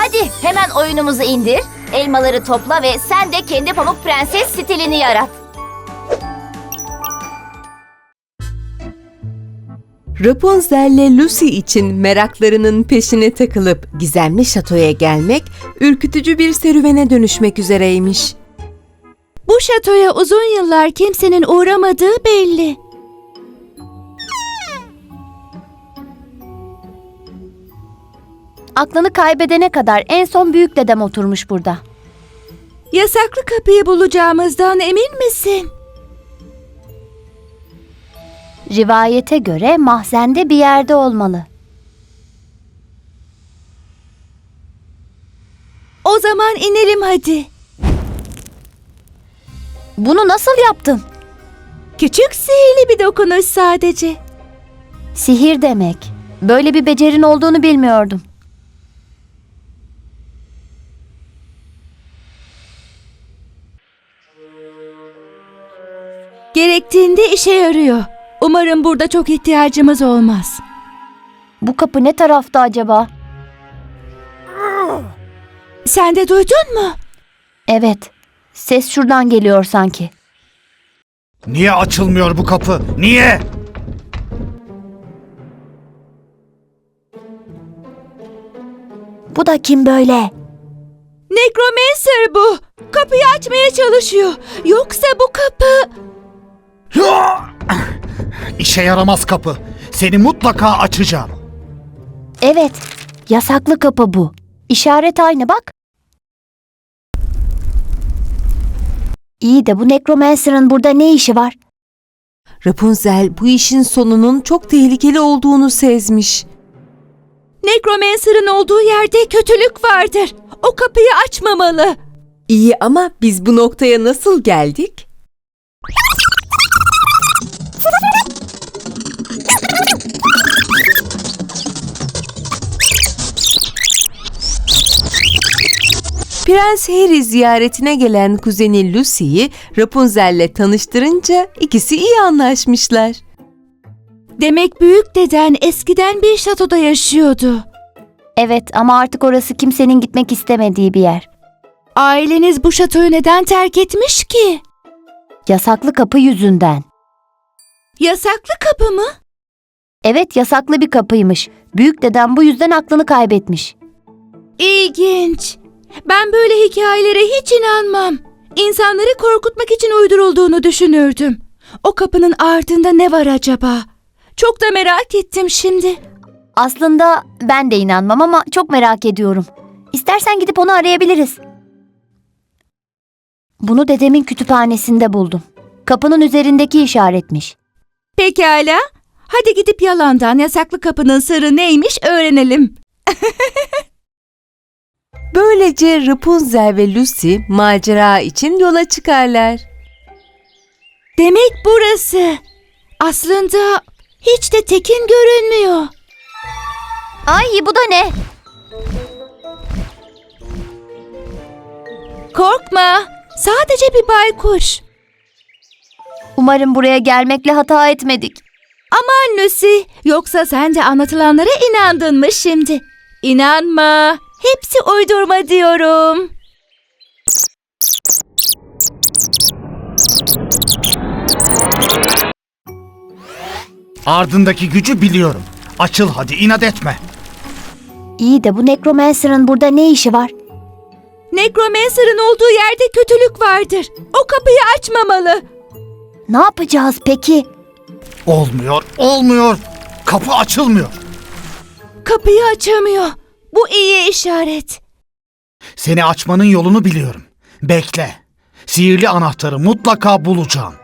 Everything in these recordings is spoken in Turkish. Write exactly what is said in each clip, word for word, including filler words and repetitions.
Hadi hemen oyunumuzu indir, elmaları topla ve sen de kendi Pamuk Prenses stilini yarat. Rapunzel'le Lucy için meraklarının peşine takılıp gizemli şatoya gelmek ürkütücü bir serüvene dönüşmek üzereymiş. Bu şatoya uzun yıllar kimsenin uğramadığı belli. Aklını kaybedene kadar en son büyük dedem oturmuş burada. Yasaklı kapıyı bulacağımızdan emin misin? Rivayete göre mahzende bir yerde olmalı. O zaman inelim hadi. Bunu nasıl yaptın? Küçük sihirli bir dokunuş sadece. Sihir demek. Böyle bir becerin olduğunu bilmiyordum. Gerektiğinde işe yarıyor. Umarım burada çok ihtiyacımız olmaz. Bu kapı ne tarafta acaba? Sen de duydun mu? Evet. Ses şuradan geliyor sanki. Niye açılmıyor bu kapı? Niye? Bu da kim böyle? Necromancer bu. Kapıyı açmaya çalışıyor. Yoksa bu kapı... İşe yaramaz kapı. Seni mutlaka açacağım. Evet. Yasaklı kapı bu. İşaret aynı bak. İyi de bu Necromancer'ın burada ne işi var? Rapunzel bu işin sonunun çok tehlikeli olduğunu sezmiş. Necromancer'ın olduğu yerde kötülük vardır. O kapıyı açmamalı. İyi ama biz bu noktaya nasıl geldik? Prens Harry ziyaretine gelen kuzeni Lucy'yi Rapunzel'le tanıştırınca ikisi iyi anlaşmışlar. Demek büyük deden eskiden bir şatoda yaşıyordu. Evet ama artık orası kimsenin gitmek istemediği bir yer. Aileniz bu şatoyu neden terk etmiş ki? Yasaklı kapı yüzünden. Yasaklı kapı mı? Evet, yasaklı bir kapıymış. Büyük dedem bu yüzden aklını kaybetmiş. İlginç. Ben böyle hikayelere hiç inanmam. İnsanları korkutmak için uydurulduğunu düşünürdüm. O kapının ardında ne var acaba? Çok da merak ettim şimdi. Aslında ben de inanmam ama çok merak ediyorum. İstersen gidip onu arayabiliriz. Bunu dedemin kütüphanesinde buldum. Kapının üzerindeki işaretmiş. Pekala. Hadi gidip yalandan yasaklı kapının sırrı neymiş öğrenelim. Böylece Rapunzel ve Lucy macera için yola çıkarlar. Demek burası. Aslında hiç de tekin görünmüyor. Ay bu da ne? Korkma. Sadece bir baykuş. Umarım buraya gelmekle hata etmedik. Aman Lucy, yoksa sen de anlatılanlara inandın mı şimdi? İnanma. Hepsi uydurma diyorum. Ardındaki gücü biliyorum. Açıl hadi, inat etme. İyi de bu Necromancer'ın burada ne işi var? Necromancer'ın olduğu yerde kötülük vardır. O kapıyı açmamalı. Ne yapacağız peki? Olmuyor, olmuyor. Kapı açılmıyor. Kapıyı açamıyor. Bu iyi işaret. Seni açmanın yolunu biliyorum. Bekle. Sihirli anahtarı mutlaka bulacağım.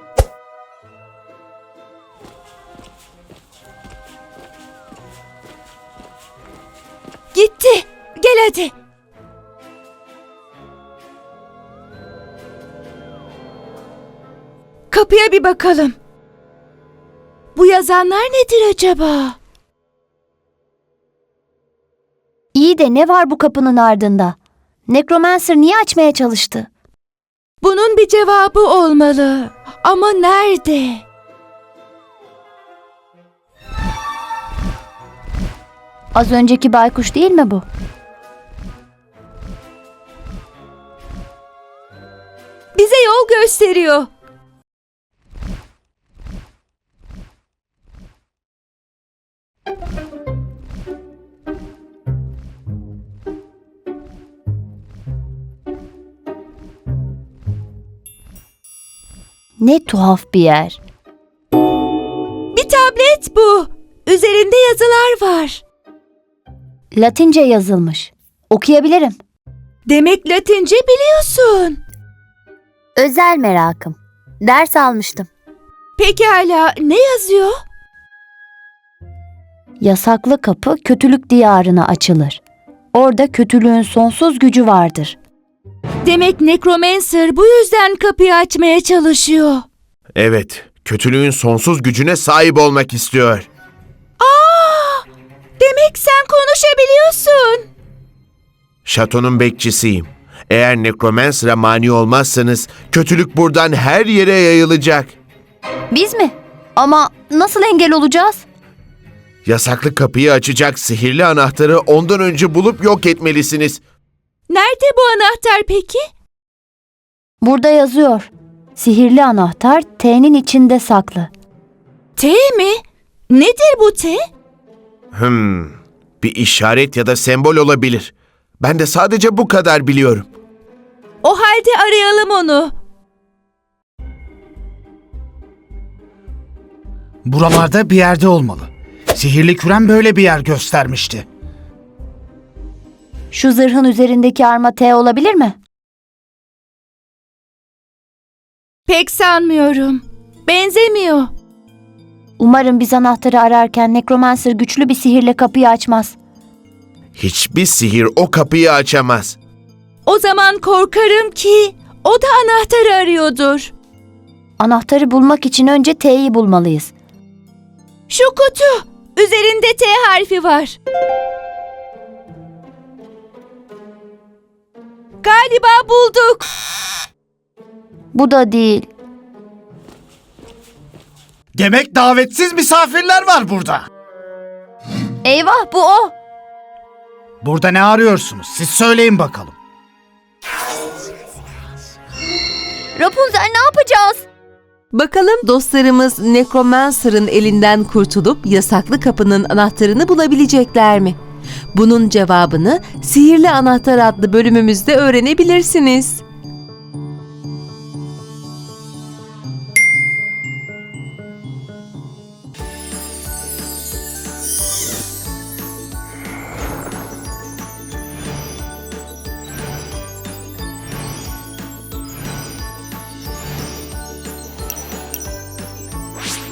Gitti. Gel hadi. Kapıya bir bakalım. Bu yazanlar nedir acaba? İyi de ne var bu kapının ardında? Necromancer niye açmaya çalıştı? Bunun bir cevabı olmalı. Ama nerede? Az önceki baykuş değil mi bu? yol gösteriyor. Ne tuhaf bir yer. Bir tablet bu. Üzerinde yazılar var. Latince yazılmış. Okuyabilirim. Demek Latince biliyorsun. Özel merakım. Ders almıştım. Pekala, ne yazıyor? Yasaklı kapı kötülük diyarına açılır. Orada kötülüğün sonsuz gücü vardır. Demek Necromancer bu yüzden kapıyı açmaya çalışıyor. Evet, kötülüğün sonsuz gücüne sahip olmak istiyor. Aa! Demek sen konuşabiliyorsun. Şatonun bekçisiyim. Eğer Necromancer'a mani olmazsanız kötülük buradan her yere yayılacak. Biz mi? Ama nasıl engel olacağız? Yasaklı kapıyı açacak sihirli anahtarı ondan önce bulup yok etmelisiniz. Nerede bu anahtar peki? Burada yazıyor. Sihirli anahtar T'nin içinde saklı. T mi? Nedir bu T? Hmm, bir işaret ya da sembol olabilir. Ben de sadece bu kadar biliyorum. O halde arayalım onu. Buralarda bir yerde olmalı. Sihirli kürem böyle bir yer göstermişti. Şu zırhın üzerindeki arma T olabilir mi? Pek sanmıyorum. Benzemiyor. Umarım biz anahtarı ararken Necromancer güçlü bir sihirle kapıyı açmaz. Hiçbir sihir o kapıyı açamaz. O zaman korkarım ki o da anahtarı arıyordur. Anahtarı bulmak için önce T'yi bulmalıyız. Şu kutu. Üzerinde T harfi var. Galiba bulduk. Bu da değil. Demek davetsiz misafirler var burada. Eyvah, bu o. Burada ne arıyorsunuz? Siz söyleyin bakalım. Rapunzel, ne yapacağız? Bakalım dostlarımız Necromancer'ın elinden kurtulup yasaklı kapının anahtarını bulabilecekler mi? Bunun cevabını Sihirli Anahtar adlı bölümümüzde öğrenebilirsiniz.